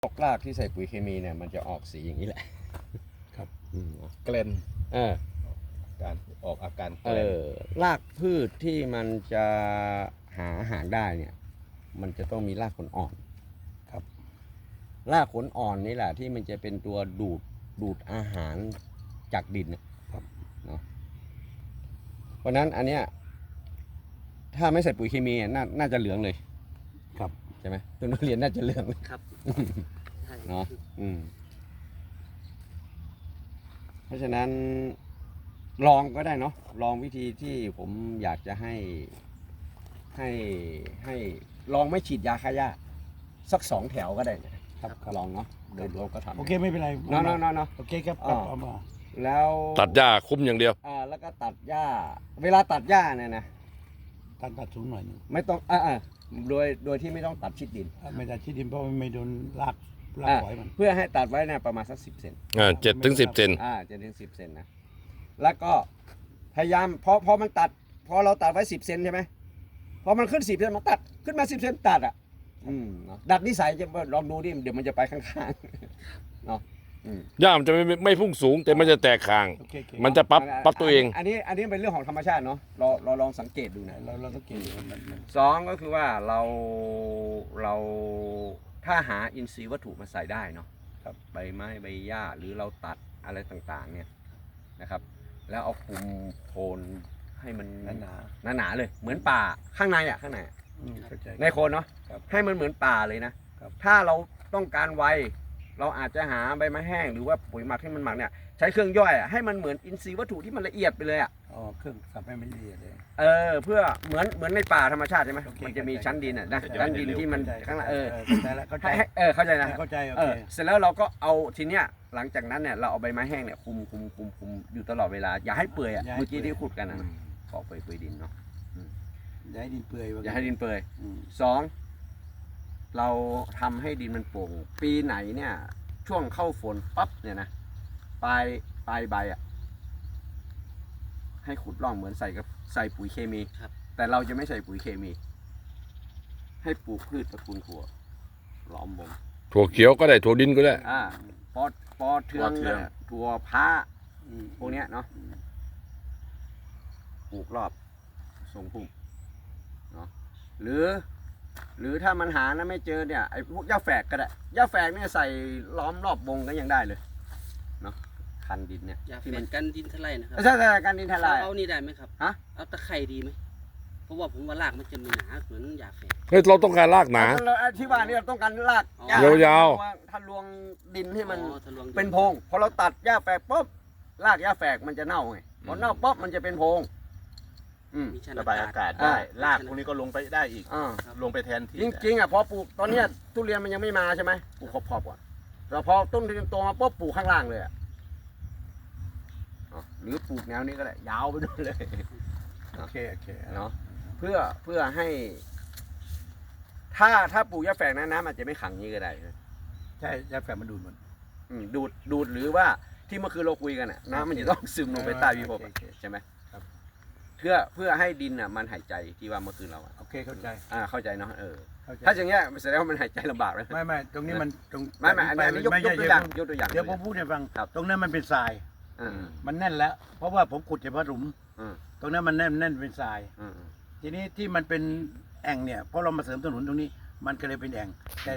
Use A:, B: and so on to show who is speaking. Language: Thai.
A: พวกรากที่ใส่ปุ๋ยเคมีเนี่ยมันจะออกสีอย่างนี้แหละ
B: ครับ
C: เกลน
A: เออ
C: การออกอาการเก
A: เอ
C: ลน
A: อรากพืชที่มันจะหาอาหารได้เนี่ยมันจะต้องมีรากขนอ่อนครับรากขนอ่อนนี่แหละที่มันจะเป็นตัวดูดอาหารจากดินนะครับเนาะเพราะนั้นอันเนี้ยถ้าไม่ใส่ปุ๋ยเคมีน่าจะเหลืองเลย
B: ครับ
A: ใช่ไหมต้นทุเรียนน่าจะเหลืองเลย
D: ครับใช่
A: เนาะเพราะฉะนั้นลองก็ได้เนาะลองวิธีที่ผมอยากจะให้ลองไม่ฉีดยาฆ่าหญ้าสัก2 แถวก็ได้นะครับลองเนาะเดี๋ยวเราก็ทำ
B: โอเคไม่เป็นไร
A: เนาะ
B: โอเคครับ
A: อ่า
B: เอามา
A: แล้ว
E: ตัดหญ้าคุ้มอย่างเดียว
A: แล้วก็ตัดหญ้าเวลาตัดหญ้าเนี่ยนะ
B: ตัดสูงหน่อยหนึง
A: ไม่ต้องโดยที่ไม่ต้องตัดชิดดิน
B: ไม่ตัดที่ดินเพราะมันไม่โดนรากฝอยมัน
A: เพื่อให้ตัดไว้เนี่ยประมาณสัก10 เซน
E: 7 ถึง 10 เซน
A: 7 ถึง 10 เซนนะแล้วก็พยายามพอมันตัดพอเราตัดไว้10 เซนใช่ไหมพอมันขึ้น10 เซนมันตัดขึ้นมา10 เซนตัดเนาะดัดนิสัยจะลองดูดิเดี๋ยวมันจะไปข้างๆเนาะ
E: หญ้ามันจะไม่พุ่งสูงแต่มันจะแตกคาง
B: โอเคโอเค
E: มันจะปรับตัวเอง
A: อันนี้เป็นเรื่องของธรรมชาติเนาะเราลองสังเกตดูนะ
B: เราต้องเก่งมัน
A: สองก็คือว่าเราถ้าหาอินทรีย์วัตถุมาใส่ได้เนาะครับใบไม้ใบหญ้าหรือเราตัดอะไรต่างๆเนี่ยนะครับ แล้วเอาคุมโทนให้มันหนาเลยเหมือนป่าข้างในข้างใน
B: เข้าใจ
A: ในโคนเนาะ
B: ครับ
A: ให้มันเหมือนป่าเลยนะครับ ถ้าเราต้องการไวเราอาจจะหาใบไม้แห้งหรือว่าปุ๋ยหมักที่มันหมักเนี่ยใช้เครื่องย่อยให้มันเหมือนอินทรีย์วัตถุที่มันละเอียดไปเลย
B: อ๋อเครื่องสับให้มันละเอียดเลย
A: เพื่อเหมือนในป่าธรรมชาติใช่ไหม
B: โอเค
A: มันจะมีชั้นดินนะชั้นดินที่มันข้างล่าง
B: เข้าใจแล้วเข้าใจ
A: เข้าใจนะ
B: เข้าใจโอเค
A: เสร็จแล้วเราก็เอาทีเนี้ยหลังจากนั้นเนี่ยเราเอาใบไม้แห้งเนี่ยคุมอยู่ตลอดเวลาอย่าให้เปื่อยเมื่อกี้ที่ขุดกันนะขอเปื่อยดินเนาะ
B: อย่าให้ดินเปื่อย
A: อย่าให้ดินเปื่อย สองเราทำให้ดินมันโปร่งปีไหนเนี่ยช่วงเข้าฝนปั๊บเนี่ยนะปลายใบให้ขุดร่องเหมือนใส่ปุ๋ยเคมีแต่เราจะไม่ใส่ปุ๋ยเคมี ให้ปลูกพืชตระกูลถั่วล้อมวง
E: ถั่วเขียวก็ได้ถั่วดินก็ได้
A: ปอเทืองเนี่ยถั่วพระพวกเนี้ยเนาะปลูกรอบทรงพุ่มเนาะหรือถ้ามันหานะไม่เจอเนี่ยไอ้พวกหญ้าแฝกก็ได้หญ้าแฝกเนี่ยใส่ล้อมรอบวงก็ยังได้เลยเนาะคันดินเนี่ย
D: อยากแฝงกันดินทลายนะครับ
A: ใช่การดินทลาย
D: เอานี่ได้ไหมครับ
A: ฮะ
D: เอาตะไคร่ดีไหมเพราะว่าผมว่ารากมันจะมีหนาเหมือนยาแฝง
E: เฮ้ยเราต้องการรากหนา
A: ที่ว่านี่เราต้องการราก
E: ยาว
A: ทะลวงดินให้มัน
D: ทะลวงดิ
A: เป็นโพรงพอเราตัดหญ้าแฝกปุ๊บรากหญ้าแฝกมันจะเน่าไงพอเน่าปุ๊บมันจะเป็นโพรง
D: มีชั้น
C: ระบายอากาศได้รากพวกนี้ก็ลงไปได้อีกลงไปแทนที่
A: จริงพอปลูกตอนเนี้ยทุเรียนมันยังไม่มาใช่ไหมปลูกขอบๆก่อนแต่พอต้นทุเรียนโตมาปุ๊บปลูกข้างล่างเลยหรือปลูกแนวนี้ก็ได้ยาวไปด้วยเลย
B: โอเค
A: เนาะเพื่อให้ถ้าปลูกหญ้าแฝกนะน้ำอาจจะไม่ขังนี้ก็ได้
B: ใช่ยาแฝงมันดูดหมด
A: ดูดหรือว่าที่เมื่อคืนเราคุยกันน้ำมันจะต้องซึมลงไปใต้พิภพใช่ไหมเพื่อให้ดินมันหายใจที่ว่าเมื่อคืนเรา
B: โอเคเข้าใจ
A: เข้าใจเนาะถ้าอย่างเงี้ยแสดงว่ามันหายใจลำบากเลย
B: ไม่ตรงนี้มันตรง
A: ไม่อันนี้ยกตัวอย่างเดี๋ยว
B: ผมพูดให้ฟัง
A: ครับ
B: ตรงนั้นมันเป็นทรายมันแน่นแล้ว เพราะว่าผมขุดเฉพาะหลุมตรงนั้นมันแน่นเป็นทรายทีนี้ที่มันเป็นแอ่งเนี่ยเพราะเรามาเสริมถนนตรงนี้มันก็เลยเป็นแอ่งแต่